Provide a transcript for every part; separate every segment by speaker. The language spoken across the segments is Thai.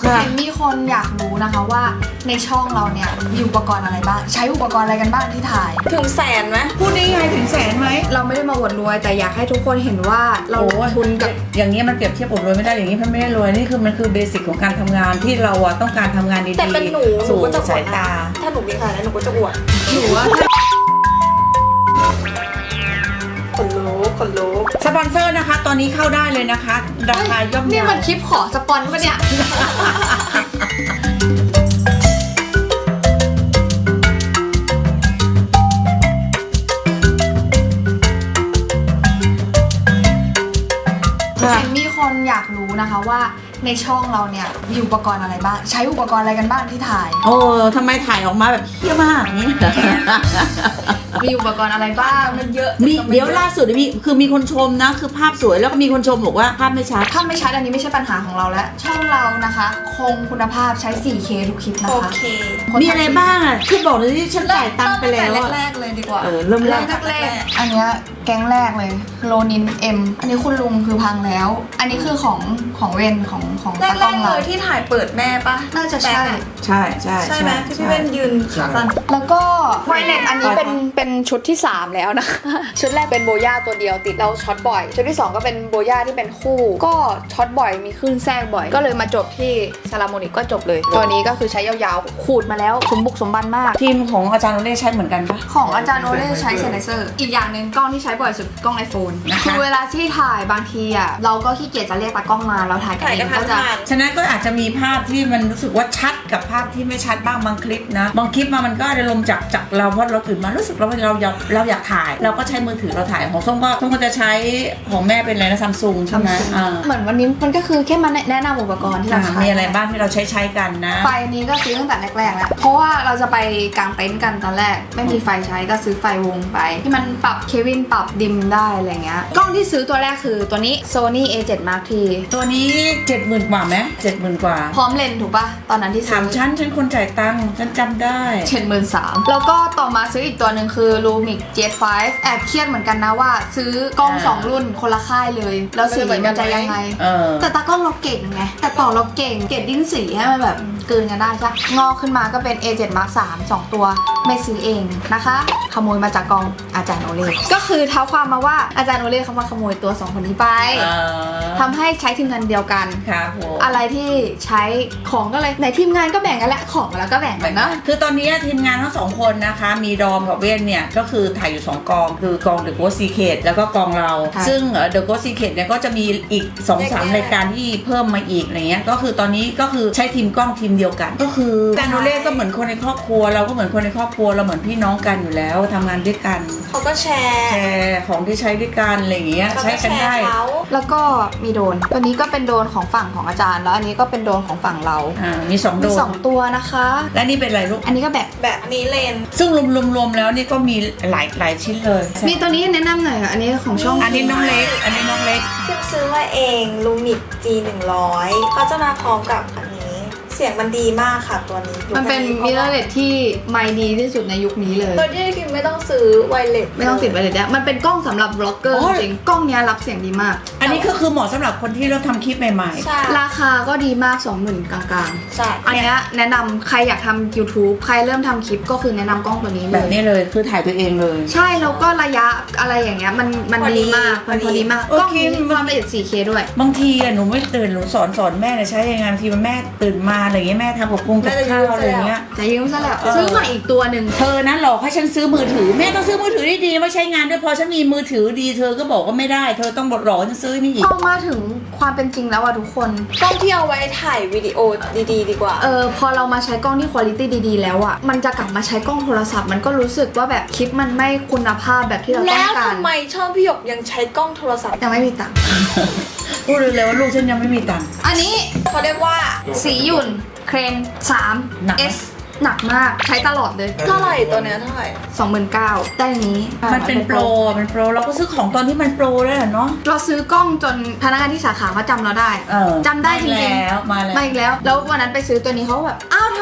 Speaker 1: เห็นมีคนอยากรู้นะคะว่าในช่องเราเนี่ยมีอุปกรณ์อะไรบ้างใช้อุปกรณ์อะไรกันบ้างที่ถ่าย
Speaker 2: ถึงแสนไหม
Speaker 3: พูดได้ไงถึงแสนไหม
Speaker 1: เราไม่ได้มาอวดรวยแต่อยากให้ทุกคนเห็นว่าเราลงทุนกับ
Speaker 3: อย่างนี้มันเปรียบเทียบอดรวยไม่ได้อย่างนี้มันไม่ได้รวยนี่คือมันคือเบสิกของการทำงานที่เราอะต้องการทำงานดีๆ
Speaker 2: แต่เป็นหนู
Speaker 3: สู่
Speaker 2: ก็จะอว
Speaker 3: สา
Speaker 2: ด
Speaker 3: ย
Speaker 2: นะ
Speaker 3: ตา
Speaker 2: ถ้าหนูมีขนาดนั้นหนูก็จะอวด
Speaker 1: หนูว่า
Speaker 2: ขนลุก
Speaker 3: สปอนเซอร์นะคะ ตอนนี้เข้าได้เลยนะคะ ราคาย่อม
Speaker 1: นี่
Speaker 3: เยา
Speaker 1: มันคลิปขอสปอนปะเนี่ย เห็นมีคนอยากรู้นะคะว่าในช่องเราเนี่ยมีอุปกรณ์อะไรบ้างใช้อุปกรณ์อะไรกันบ้างที่ถ่าย
Speaker 3: โอ้ทำไมถ่ายออกมาแบบเฮี้ยมากอย่างนี้
Speaker 1: มีอุปกรณ์อะไรบ้าง
Speaker 2: มันเยอะ
Speaker 3: มีเดี๋ยวล่าสุดมีคนชมนะคือภาพสวยแล้วก็มีคนชมบอกว่าภาพไม่ชัด
Speaker 1: ถ้าไม่ชัดอันนี้ไม่ใช่ปัญหาของเราแล้วช่องเรานะคะ คงคุณภาพใช้ 4K ทุกคลิปนะ
Speaker 2: โอ
Speaker 1: คะ
Speaker 2: เค
Speaker 3: มีอะไรบ้างอ่ะที่บอกเลยที่ฉันจ่ายตังค์ไปแล้ว
Speaker 2: เริ่ม
Speaker 3: อะ
Speaker 2: แรกๆเลยดีกว่า
Speaker 3: เริ่มแร
Speaker 1: แร
Speaker 3: ก
Speaker 1: กแรกๆอันเนี้ยแก๊งแรกเลยโลนินเอ็มอันนี้คุณลุงคือพังแล้ว อันนี้คือของเวนของ
Speaker 2: แร
Speaker 1: ตากล้อง
Speaker 2: ๆเล
Speaker 1: เรา
Speaker 2: ยที่ถ่ายเปิดแม่ปะ
Speaker 1: น่าจะใช่
Speaker 3: ใช่ใช่
Speaker 2: ใช่ไหมที่พี่เว้นยืนขาสั้น
Speaker 1: แล้วก็ไวเลสอันนี้เป็นชุดที่ 3 แล้วนะคะ ชุดแรกเป็นโบย่าตัวเดียวติดแล้วช็อตบ่อย ชุดที่ 2 ก็เป็นโบย่าที่เป็นคู่ ก็ช็อตบ่อยมีคลื่นแทรกบ่อย ก็เลยมาจบที่ซาลาโมนิกก็จบเลย ตัวนี้ก็คือใช้ยาวๆ ขูดมาแล้วสมบุกสมบันมาก
Speaker 3: ทีมของอาจารย์โอเล่ใช้เหมือนกันปะ
Speaker 1: ของอาจารย์โอเล่ใช้เซนเซอร์อีกอย่างหนึ่งกล้องที่ใช้บ่อยสุดกล้อง iPhone
Speaker 3: นะคะ
Speaker 1: คือเวลาที่ถ่ายบางทีอ่ะเราก็ขี้เกียจจะเรียกตากล้องมาเราถ่ายกัน
Speaker 2: ถ่าย
Speaker 1: เอ
Speaker 2: กัน
Speaker 1: ง
Speaker 2: ทั
Speaker 1: ก็
Speaker 2: น
Speaker 1: จะ
Speaker 2: ทาน
Speaker 3: ฉะนั้นก็อาจจะมีภาพที่มันรู้สึกว่าชัดกับภาพที่ไม่ชัดบ้างบางคลิปนะบางคลิปมันก็ได้ลมจากเราเพราะเราตื่นมารู้สึกเราอยากถ่าย เราก็ใช้มือถือเราถ่ายของส้มก็จะใช้ของแม่เป็นอะไรนะซัมซุงใช่ไหมอ่า
Speaker 1: เหมือนวันนี้มันก็คือแค่มาแนะนำอุปกรณ์ที่เราใช้
Speaker 3: มีอะไรบ้างที่เราใช้กันนะ
Speaker 1: ไฟนี้ก็ซื้อตั้งแต่แรกๆแล้วเพราะว่าเราจะไปกางเต็นท์กันตอนแรกไม่มีไฟใช้ก็ซื้อไฟวงไป ที่มันปรับเควินปรับดิมได้อะไรเงี้ยกล้องที่ซื้อตัวแรกคือตัวนี้ Sony A7 Mark III
Speaker 3: ตัวนี้ 70,000 กว่าไหม70,000 กว่า
Speaker 1: พร้อมเลนส์ถูกปะตอนนั้นที่ซื้
Speaker 3: ถามฉันคนจ่ายตังค์ฉันจำได้
Speaker 1: 73,000แล้วก็ต่อมาซื้ออีกตัวหนึ่งคือ Lumix J5 แอบเครียดเหมือนกันนะว่า ซื้อกล้อง 2 รุ่นคนละค่ายเลย แล้วสีมันจะยังไง แต่ตากล้องเราเก่งไงแต่ต่อเราเก่งเก็บดิ้นสีให้มันแบบกลืนกันได้ใช่งอกขึ้นมาก็เป็น A7 Mark III 2 ตัวไม่ซื้อเองนะคะ ขโมยมาจากกองอาจารย์โอเล่ก็คือเท้าความมาว่าอาจารย์โอเล่เขามาขโมยตัว 2 คนนี้ไปทำให้ใช้ทีมงานเดียวกัน
Speaker 3: ครับผม
Speaker 1: อะไรที่ใช้ของก็เลยในทีมงานก็แบ่งกันแหละของแล้วก็แบ่งกันเนาะ
Speaker 3: คือตอนนี้ทีมงานทั้งสองคนนะคะมีดอมกับเว้นเนี่ยก็คือถ่ายอยู่2กองคือกอง The Ghost Secret แล้วก็กองเรา
Speaker 1: ค่ะ
Speaker 3: ซึ่ง The Ghost Secret เนี่ยก็จะมีอีก 2-3 รายการที่เพิ่มมาอีกอะไรเงี้ยก็คือตอนนี้ก็คือใช้ทีมกล้องทีมเดียวกัน ก็คืออาจารย์โอเล่ก็เหมือนคนในครอบครัวเราก็เหมือนคนในครอบครัวเราเหมือนพี่น้องกันอยู่แล้วทำงานด้วยกัน
Speaker 2: เขาก็แชร์
Speaker 3: แชร์ของที่ใช้ด้วยกันอะไรอย่างเงี้ย
Speaker 2: เขา
Speaker 3: ใช้
Speaker 2: ก็
Speaker 3: กัน
Speaker 2: แช
Speaker 3: ได้
Speaker 2: ร์เขา
Speaker 1: แล้วก็มีโดรนตัวนี้ก็เป็นโดรนของฝั่งของอาจารย์ แล้วอันนี้ก็เป็นโดรนของฝั่งเรา
Speaker 3: มี2โด
Speaker 1: มี
Speaker 3: น
Speaker 1: 2 ตัวนะคะ
Speaker 3: และนี่เป็นอะไรลูก
Speaker 1: อันนี้ก็แบบ
Speaker 2: แบบนี้เลน
Speaker 3: ซึ่งรวมๆแล้วนี่ก็มีหลายชิ้นเลย
Speaker 1: มีตัวนี้แนะนำหน่อยค่ะอันนี้ของช่อง
Speaker 3: อันนี้น้องเล็ก อันนี้น้องเล็ก
Speaker 2: คิมซื้อมาเองลูมิก G100 เขาจะมาพร้อมกับอันนี้ เสียงมันดีมากค่ะตัวนี้
Speaker 1: มันเป็นมิเรอร์เลสที่ไมค์ดีที่สุดในยุคนี้เลย
Speaker 2: โดยที่คิมไม่ต้องซื้อไวเลส
Speaker 1: ไม่ต้องติดไวเลสแล้วมันเป็นกล้องสำหรับบล็อกเกอร์
Speaker 3: โอ้ย
Speaker 1: จริงกล้องเนี้ยรับเสียงดีมาก
Speaker 3: อันนี้ก็คือเหมาะสำหรับคนที่เริ่มทำคลิปใหม่
Speaker 2: ใช่
Speaker 1: ราคาก็ดีมาก 20,000 กลาง
Speaker 2: ใช่
Speaker 1: ๆ อันเนี้ยแนะนำใครอยากทำ YouTube ใครเริ่มทำคลิปก็คือแนะนำกล้องตัวนี้
Speaker 3: ๆ
Speaker 1: เล
Speaker 3: แบบ
Speaker 1: ย
Speaker 3: นี้เลยคือถ่ายตัวเองเลย
Speaker 1: ใช่แล้วก็ระยะอะไรอย่างเงี้ยมันดีมากมันพอดีมาก
Speaker 3: โอเค
Speaker 1: กล้องนี้ความละเอียด 4K ด้วย
Speaker 3: บางทีอะหนูไม่ตื่นหนูสอนแม่เนี่ยใช้ยังไงบางทีมันแม่ตื่นมาอะไรเงี้ยแม่ทำกับกุ้งกับข้าวอะไรเงี้ย
Speaker 1: จะยืมซะแล้วซื้อมาอีกตัวหนึ่ง
Speaker 3: เธอนะหลอกให้ฉันซื้อมือถือแม่ต้องซื้อมือถือดีๆไม่ใช้งานด้วยพอฉันมีมือถือดีเธอก็บอกว่าไม่ได้เธอต้องหลอกฉันซื้อนี่อีก
Speaker 1: พอมาถึงความเป็นจริงแล้วอะทุกคน
Speaker 2: กล้องที่เอาไว้ถ่ายวิดีโอดีๆ ดีกว่า
Speaker 1: พอเรามาใช้กล้องที่คุณภาพดีๆแล้วอะมันจะกลับมาใช้กล้องโทรศัพท์มันก็รู้สึกว่าแบบคลิปมันไม่คุณภาพแบบที่เราต้
Speaker 2: แล้
Speaker 1: อง
Speaker 2: ว
Speaker 1: การ
Speaker 2: ทำไมช่องพี่หยกยังใช้กล้องโทรศัพท์
Speaker 1: ยังไม่มีตังค์
Speaker 3: พูดเลยว่าลูกฉันยังไม่มีตังค์
Speaker 1: อันนี้
Speaker 2: เขาเรียกว่า
Speaker 1: สีหยุ่นเครน
Speaker 3: หนักไหม
Speaker 1: 3 S หนักมากใช้ตลอดเลย
Speaker 2: เท่าไหร่ตัวเนี้ยเท่าไหร่
Speaker 1: 29,000ได้อย่างนี้
Speaker 3: มันเป็นโปรเราก็ซื้อของตอนที่มันโปรแล้วเนาะ
Speaker 1: เราซื้อกล้องจนพนักงานที่สาขาเขาจำเราได้
Speaker 3: เออ
Speaker 1: จำได้จริงๆ
Speaker 3: มาแล้ว
Speaker 1: มาอีกแล้ว แล้ววันนั้นไปซื้อตัวนี้เขาก็แบบอ้าวทำ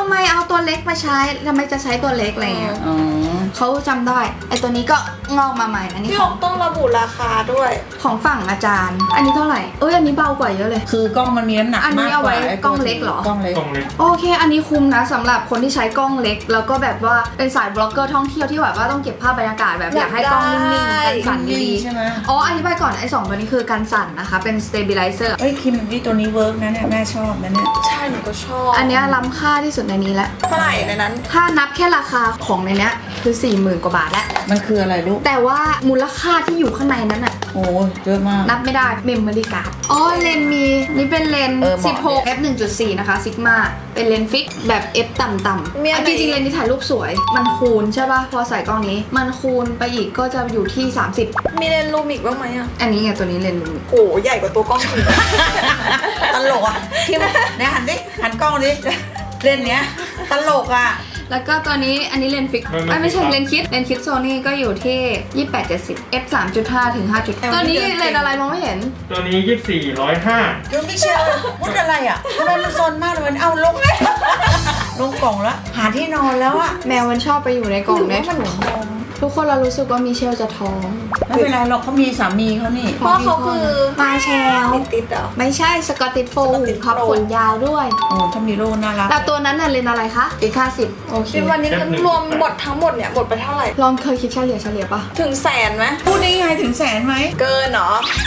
Speaker 1: ำไมเอาตัวเล็กมาใช้ทำไมจะใช้ตัวเล็กอะไรเงี้ย
Speaker 3: อ๋อ
Speaker 1: เขาจำได้ไอตัวนี้ก็งอกมาใหม่อันนี้
Speaker 2: พี่
Speaker 1: ข
Speaker 2: อ
Speaker 1: อง
Speaker 2: อกต้องระบุราคาด้วย
Speaker 1: ของฝั่งอาจารย์ อันนี้เท่าไหร่อันนี้เบากว่าเยอะเลย
Speaker 3: คือกล้องมันมีน้ำหนัก
Speaker 1: อันนี้
Speaker 3: มาก
Speaker 1: เอา
Speaker 3: ก
Speaker 1: ไว้
Speaker 3: ว่าไอ้
Speaker 1: กล้องเล็กเหรอ
Speaker 3: กล้องเล็ก
Speaker 4: กล้องเล็ก
Speaker 1: โอเค อันนี้คุ้มนะสำหรับคนที่ใช้กล้องเล็ก แล้วก็แบบว่าเป็นสายบล็อกเกอร์ท่องเที่ยวที่แบบว่าต้องเก็บภาพบรรยากาศแบบอยากให้กล้องนิ่งๆกันสั่นดี
Speaker 3: ใช่ไหม
Speaker 1: ๆอ๋ออธิบายก่อนไอ้2ตัวนี้คือกันสั่นนะคะเป็น stabilizer
Speaker 3: เอ้ยคิมนี่ตัวนี้เวิร์กนะเนี่ยแม่ชอบนะเนี่ย
Speaker 2: ใช่หนูก็ชอบ
Speaker 1: อันเนี้ยล้ำค่าที่สุดในนี้แล้ว
Speaker 2: เท่าไหร่ในนั้น
Speaker 1: ถ้านับแค่ราคาของในเนี้ยคือ 40,000 กว่าบาทแล้ว
Speaker 3: มันคืออะไรลูก
Speaker 1: แต่ว่ามูลค่าที่อยู่ข้างในนั้นอะ
Speaker 3: โอ้เยอะมาก
Speaker 1: นับไม่ได้เมมโมรี่การ์ดอ๋อเลนส์มีนี่เป็นเลนส์
Speaker 3: เหมาะ
Speaker 1: 16 f 1.4 นะคะซิกมาเป็นเลนส์ฟิกแบบ f ต่ำ
Speaker 2: มีอันไหน
Speaker 1: จริงๆเลนส์นี้ถ่ายรูปสวย มันคูณใช่ป่ะพอใส่กล้องนี้ มันคูณไปอีกก็จะอยู่ที่ 30
Speaker 2: มีเลนส์ลูมิกบ้างไหมอ่ะ
Speaker 1: อันนี้ไงตัวนี้เลนส์ลูมิก
Speaker 2: โอ้ใหญ่กว่าตัวกล้องอีก
Speaker 3: ตลกอ่ะคิมเนี่ยหันดิหันกล้องดิเล่นเนี้ยตลกอ่ะ
Speaker 1: แล้วก็ตัวนี้อันนี้เลนส์ฟิก
Speaker 4: มัน
Speaker 1: ไม่ใช่
Speaker 4: ฟิก
Speaker 1: เลนส์คิดโซนี่ก็อยู่ที่ 28-70 f 3.5 ถึง 5.5 ตัวนี้เลนส์อะไรมองไม่เห็น
Speaker 4: ตัวนี้ 24,105
Speaker 3: ดูมิเชลพูดอะไรอ่ะทำไมมันซนมากเลยมันเอาลงลงกล่องแล้วหาที่นอนแล้วอ่ะ
Speaker 1: แมวมันชอบไปอยู่ในกล่อง
Speaker 2: หรือ
Speaker 1: ได้
Speaker 2: ว่ามัน
Speaker 1: ถุง
Speaker 2: ท้อง
Speaker 1: ทุกคนเรารู้สึกว่ามิเชลจะท้อง
Speaker 3: ไม่เป็นไรหรอกเขามีสามีเขานี่
Speaker 2: เพราะเขาคือ
Speaker 1: มาแชล
Speaker 2: ติดเหรอ
Speaker 1: ไม่ใช่สกอตติชโฟล
Speaker 2: Scottish
Speaker 1: ครับ
Speaker 2: Fold
Speaker 1: ขนยาวด้วย
Speaker 3: โอ้ถ้ามีโลน่ารัก
Speaker 1: แต่ตัวนั้นน่ะเลนส์อะไรคะอีก50โอเค
Speaker 2: คิดวันนี้รวมหมดทั้งหมดเนี่ยหมดไปเท่าไหร่
Speaker 1: ลองเคยคิดเฉลี่ยปะ
Speaker 2: ถึงแสนไหม
Speaker 3: พูดได้ไงถึงแสนไหม
Speaker 2: เกินเหรอ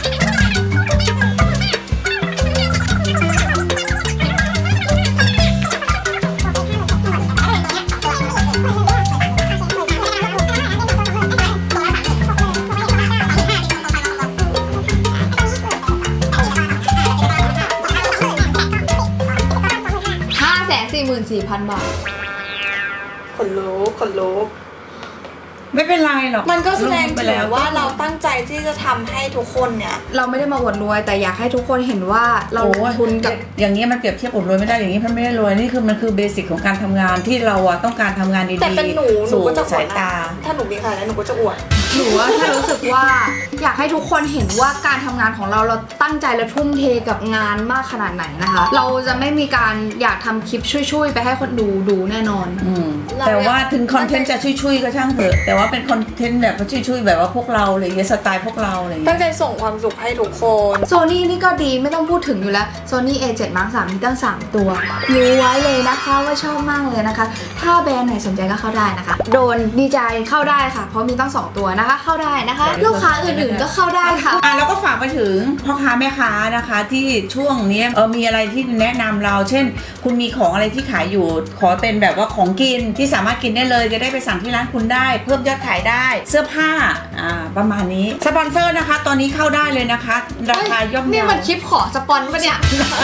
Speaker 1: 544,000 บาท
Speaker 2: ขนลุกขนลุก
Speaker 3: ไม่เป็นไรหรอก
Speaker 2: มันก็แสดง
Speaker 3: ไป
Speaker 2: ถึง
Speaker 3: แล้ว
Speaker 2: ว่าเราตั้งใจที่จะทำให้ทุกคนเนี่ย
Speaker 1: เราไม่ได้มาอวดรวย แต่อยากให้ทุกคนเห็นว่าเราลงทุนกับ
Speaker 3: อย่างนี้มันเปรียบเทียบอดรวยไม่ได้อย่างนี้มันไม่ได้รวยนี่คือมันคือเบสิกของการทำงานที่เราอะต้องการทำงานดี
Speaker 2: แต่เป็นหนู
Speaker 3: ๆสู่
Speaker 2: ก็จะอว
Speaker 3: สา
Speaker 2: ด
Speaker 3: ย
Speaker 2: นะ
Speaker 3: ตา
Speaker 2: ถ้าหนูมีขนาดนั้นหนูก็จะอวด
Speaker 1: หนูว่าแค่รู้สึกว่าอยากให้ทุกคนเห็นว่าการทำงานของเราตั้งใจและทุ่มเทกับงานมากขนาดไหนนะคะ เราจะไม่มีการอยากทำคลิปช่วยๆไปให้คนดูแน่นอน
Speaker 3: อืม
Speaker 2: เรา
Speaker 3: แต่ว่าถึงคอนเทนต์จะช่วยๆก็ช่างเถอะแต่ว่าเป็นคอนเทนต์แบบว่าช่วยๆแบบว่าพวกเราอะไรอย่างเงี้ยสไตล์พวกเราอะไรอย่าง
Speaker 2: ตั้
Speaker 3: เงี้ย
Speaker 2: งใจส่งความสุขให้ทุกคน
Speaker 1: โซนี่นี่ก็ดีไม่ต้องพูดถึงอยู่แล้ว Sony A7 Mark 3มีตั้ง 3 ตัวรู้ไว้เลยนะคะว่าชอบมากเลยนะคะ ถ้าแบรนด์ไหนสนใจก็เข้าได้นะคะ โดนดีใจเข้าได้ค่ะ เพราะมีตั้ง 2 ตัวนะคะ เข้าได้นะคะ ลูกค้าอื่นๆก็เข้าได้ค่ะ
Speaker 3: แล้วก็ฝากไปถึงพ่อค้าแม่ค้านะคะที่ช่วงนี้มีอะไรที่แนะนำเรา เช่น คุณมีของอะไรที่ขายอยู่ ขอเป็นแบบว่าของกินที่สามารถกินได้เลยจะได้ไปสั่งที่ร้านคุณได้ เพิ่มยอดขายได้เสื้อผ้าประมาณนี้สปอนเซอร์นะคะ ตอนนี้เข้าได้เลยนะคะ ราคาย่อม
Speaker 1: นี่
Speaker 3: เยา
Speaker 1: มันคลิปขอสปอนปะเนี่ย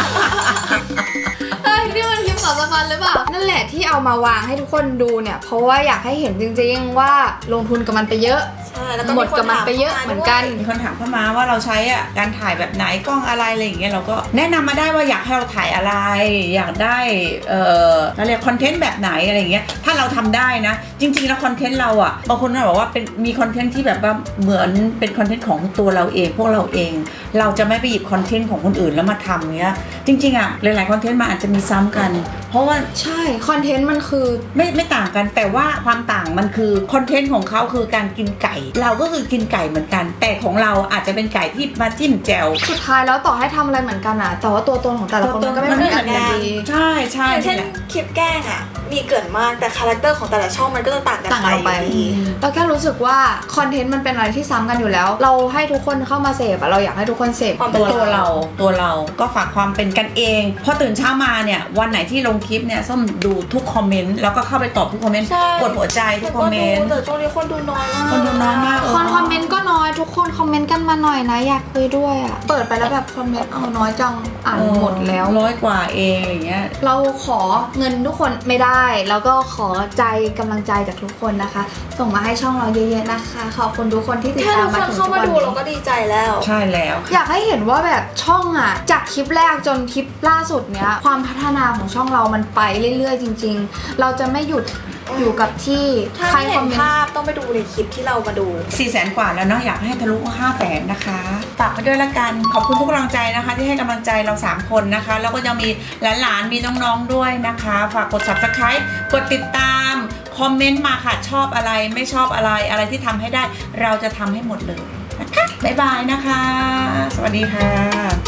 Speaker 1: เฮ้ยนี่มันคลิปขอสปอนหรือเปล่า นั่นแหละที่เอามาวางให้ทุกคนดูเนี่ย เพราะว่าอยากให้เห็นจริงๆว่าลงทุนกับมันไปเยอะ
Speaker 2: ใช่แล้วก็
Speaker 1: หมดกับมันไปเยอะเหมือนกัน
Speaker 3: มีคนถามเข้ามาว่าเราใช้การถ่ายแบบไหนกล้องอะไรอะไรอย่างเงี้ยเราก็แนะนำมาได้ว่าอยากให้เราถ่ายอะไร อยากได้เราเรียกคอนเทนต์แบบไหนอะไรอย่างเงี้ยถ้าเราทำได้นะจริงๆแล้วคอนเทนต์เราอะบางคนก็บอกว่าเป็นมีคอนเทนต์ที่แบบว่าเหมือนเป็นคอนเทนต์ของตัวเราเองพวกเราเอง เราจะไม่ไปหยิบคอนเทนต์ของคนอื่นแล้วมาทำเงี้ยจริงๆอะหลายๆคอนเทนต์มันอาจจะมีซ้ำกัน เพราะว่า
Speaker 1: ใช่คอนเทนต์มันคือ
Speaker 3: ไม่ต่างกันแต่ว่าความต่างมันคือคอนเทนต์ของเขาคือการกินไก่ เราก็คือกินไก่เหมือนกัน แต่ของเราอาจจะเป็นไก่ที่มาจิ้มแจ่ว
Speaker 1: สุดท้ายแล้วต่อให้ทำอะไรเหมือนกันอะแต่ว่าตัวตนของแต่ละคนมันก็ไม่เหมือนกันอยู่ดี
Speaker 3: ใช่ใช่
Speaker 2: อย่างเช่น
Speaker 3: นี่แหละ
Speaker 2: คลิปแกล้งอ่ะ มีเกินมากแต่คาแรคเตอร์ของแต่ละช่องมันก็จะต่างกัน
Speaker 1: ต่างกันออกไป
Speaker 2: อยู่ดี
Speaker 1: แล้วแค่รู้สึกว่าคอนเทนต์มันเป็นอะไรที่ซ้ำกันอยู่แล้ว เราให้ทุกคนเข้ามาเสพอะเราอยากให้ทุกคนเสพ
Speaker 3: ตัวเราก็ฝากความเป็นกันเองพอตื่นเช้ามาเนี่ยวันไหนที่ลงคลิปเนี่ยส้มดูทุกคอมเมนต์แล้วก็เข้าไปตอบทุกคอมเมนต์
Speaker 2: ใช่
Speaker 3: กดหัวใจทุกคอมเมนต์
Speaker 2: แต่ช่วงนี้คนดูน้อยมาก
Speaker 3: คนดูน้อยมาก
Speaker 1: คนคอมเมนต์ก็น้อยทุกคนคอมเมนต์กันมาหน่อยนะอยากคุยด้วยอะเปิดไปแล้วแบบคอมเมนต์เอาน้อยจังอ่านหมดแล้ว
Speaker 3: 100 กว่าเองอย่างเงี้ย
Speaker 1: เราขอเงินทุกคนไม่ได้ แล้วก็ขอใจกำลังใจจากทุกคนนะคะ ส่งมาให้ช่องเราเยอะๆนะคะ ขอบคุณทุกคนที่ติด
Speaker 2: แค่
Speaker 1: ตา
Speaker 2: ทุ
Speaker 1: ม
Speaker 2: ก
Speaker 1: มา
Speaker 2: คน
Speaker 1: ถึง
Speaker 2: เข้า
Speaker 1: ทุก
Speaker 2: มา
Speaker 1: วัน
Speaker 2: ดู
Speaker 1: นี้
Speaker 2: เราก็ดีใจแล้ว
Speaker 3: ใช่แล้ว
Speaker 1: อยากให้เห็นว่าแบบช่องอะจากคลิปแรกจนคลิปล่าสุดเนี้ยความพัฒนาของช่องเรามันไปเรื่อยๆจริง ๆ เราจะไม่หยุดอยู่กับที่
Speaker 2: ถ้า
Speaker 1: ใคร
Speaker 2: ไม่
Speaker 1: ค
Speaker 2: เห็
Speaker 1: อม
Speaker 2: น
Speaker 1: เมน
Speaker 2: ภา
Speaker 1: ต์
Speaker 2: พต้องไปดูในคลิปที่เรามาดู
Speaker 3: 400,000 กว่าแล้วเนาะอยากให้ทะลุ500,000นะคะฝากไปด้วยละกันขอบคุณทุกกำลังใจนะคะที่ให้กำลังใจเรา3คนนะคะแล้วก็ยังมีหลานๆมีน้องๆด้วยนะคะฝากกด subscribe กดติดตามคอมเมนต์มาค่ะชอบอะไรไม่ชอบอะไรที่ทำให้ได้เราจะทำให้หมดเลยนะคะบ๊ายบายนะคะสวัสดีค่ะ